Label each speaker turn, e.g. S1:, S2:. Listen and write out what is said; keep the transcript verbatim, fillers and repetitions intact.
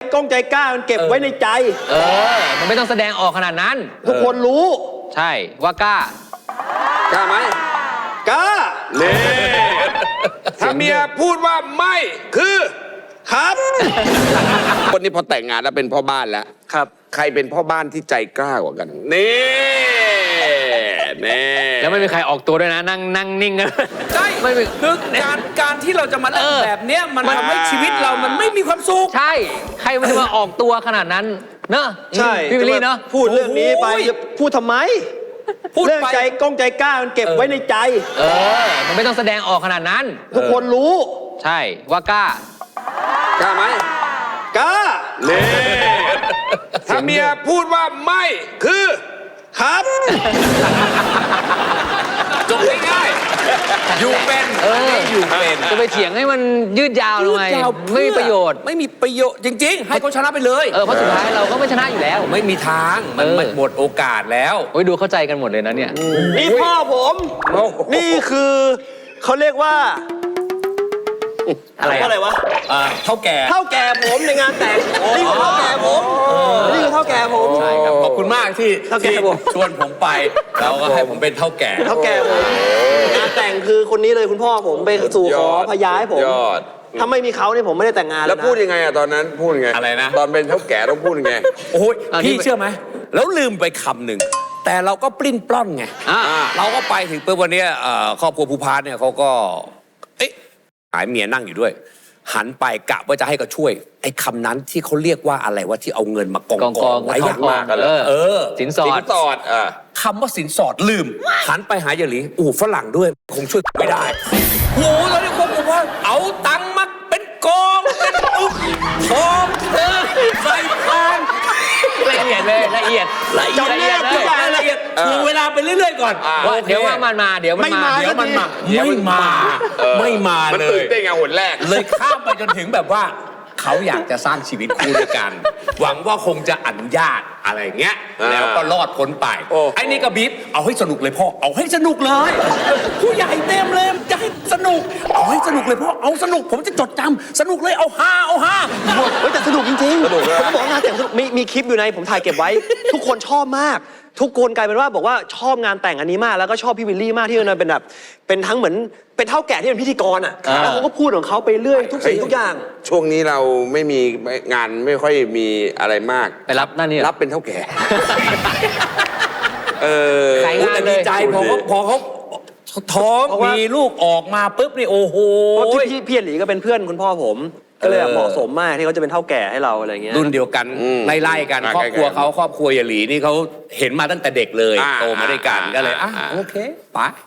S1: กล้องใจกล้ามันเก็บไว้ในใจ
S2: เออมันไม่ต้องแสดงออกขนาดนั้น
S1: ทุกคนรู้
S2: ใช่ว่ากล้าก
S3: ล้าไหม
S1: กล้า
S3: นี่ถ้าเมียพูดว่าไม่คือ
S1: ครับ
S3: คนนี้พอแต่งงานแล้วเป็นพ่อบ้านแล้ว
S1: ครับ
S3: ใครเป็นพ่อบ้านที่ใจกล้ากว่ากันนี่นี่
S2: แล้วไม่มีใครออกตัวด้วยนะนั่งนั่งนิ่งกัน
S4: ใช่ไม่คือการการที่เราจะมาเล่นแบบเนี้ยมันทำให้ชีวิตเรามันไม่มีความสุข
S2: ใช่ใครมันจะมาออกตัวขนาดนั้นเนอะ
S1: ใช่
S2: พี่วิลลี่เนอะ
S1: พูดเรื่องนี้ไปจะพูดทำไมเรื่องใจกล้องใจกล้ามันเก็บไว้ในใจ
S2: เออมันไม่ต้องแสดงออกขนาดนั้น
S1: ทุกคนรู้
S2: ใช่ว่ากล้าก
S3: ล้าไหม
S1: กล้า
S3: นี่ถ้าเมียพูดว่าไม่คือ
S1: ครับ
S3: จบง่ายๆอยู่เป็น
S2: เออ
S4: อยู่เป็น
S2: จะไปเถียงให้มันยืดยาวทำไมไม่มีประโยชน์
S4: ไม่มีประโยชน์จริงๆให้เขาชนะไปเลย
S2: เออเพราะสุดท้ายเราก็ไม่ชนะอยู่แล้ว
S4: ไม่มีทางมันหมดโอกาสแล้ว
S2: โอ้ยดูเข้าใจกันหมดเลยนะเนี่ย
S1: นี่พ่อผมนี่คือเขาเรียกว่า
S2: อะไร
S1: อะไรวะ
S4: เท่าแก่
S1: เท่าแก่ผมในงานแต่งนี่คือเท่าแก่ผมนี่คือเท่าแก่ผม
S4: ใช่ครับขอบคุณมากที่ที่ชวนผมไปแล้วก็ให้ผมเป็นเท่าแก่
S1: เท่าแก่ผมงานแต่งคือคนนี้เลยคุณพ่อผมไปสู่ขอพยาให้ผมถ้าไม่มีเขาเนี่ยผมไม่ได้แต่งงาน
S3: แล้วพูดยังไงอะตอนนั้นพูดยังไง
S4: อะไรนะ
S3: ตอนเป็นเท่าแก่ต้องพูดยังไง
S4: โอ้ยพี่เชื่อไหมแล้วลืมไปคำหนึ่งแต่เราก็ปลิ้นปล้อนไงเราก็ไปถึงเมื่อวันนี้ครอบครัวภูพานเนี่ยเขาก็เอ๊ะหายเมียนั่งอยู่ด้วยหันไปกะว่าจะให้ก็ช่วยไอ้คำนั้นที่เขาเรียกว่าอะไรว่าที่เอาเงินมากองกองไว้อย่างมากกันเลยเออ
S2: สินสอด
S3: สินสอด
S4: คำว่าสินสอดลืมหันไปหายายหลีอู้ฝรั่งด้วยคงช่วยไม่ได้โอ้โหแล้วนี่คงบอกว่าเอาตังค์มาเป็นกองเป็นอุ๊กทองเธอใส่ทาน
S2: ละเอียดเลยละเอียด
S4: ละเอียดละเอียดละเอียดดูเวลาไปเรื่อยๆก่อน
S2: ว่าเดี๋ยวว่ามันมาเดี๋ยวมันมา
S4: เดี๋ยวมันมาไม่มาไม่มาเลย
S3: มันตื่นเต้นไงหนแรก
S4: เลยข้ามไปจนถึงแบบว่าเขาอยากจะสร้างชีวิตคู่ด้วยกันหวังว่าคงจะอนุญาตอะไรเงี้ยแล้วก็รอดพ้นไปไอ้นี่ก็บีบเอาให้สนุกเลยพ่อเอาให้สนุกเลยผู้ใหญ่เต็มเลยจะให้สนุกเอาให้สนุกเลยพ่อเอาสนุกผมจะจดจำสนุกเลยเอาฮาเอาฮา
S1: เฮ้ยแต่สนุกจริงๆผมบอกงานแต่งมีมีคลิปอยู่ในผมถ่ายเก็บไว้ ทุกคนชอบมากทุกคนกลายเป็นว่าบอกว่าชอบงานแต่งอันนี้มากแล้วก็ชอบพี่วิลลี่มากที่มันเป็นแบบเป็นทั้งเหมือนเป็นเท่าแก่ที่เป็นพิธีกรอ่ะแล้วเขาก็พูดของเขาไปเรื่อยทุกสิ่งทุกอย่าง
S3: ช่วงนี้เราไม่มีงานไม่ค่อยมีอะไรมาก
S2: ไปรับนั่นนี่
S3: รับเป็นเท่าแก่
S4: เออแต่ดีใจพอเขาพอเขาท้องมีลูกออกมาปุ๊บนี่โอ้โห
S1: พี่พี่หลีก็เป็นเพื่อนคุณพ่อผมก็เลยเหมาะสมมากที่เขาจะเป็นเท่าแก่ให้เราอะไรเงี้ย
S4: รุ่นเดียวกันไล่ๆกันครอบครัวเขาครอบครัวยายหลีนี่เขาเห็นมาตั้งแต่เด็กเลยโตมาด้วยกันก็เลยอ่ะโอเคไป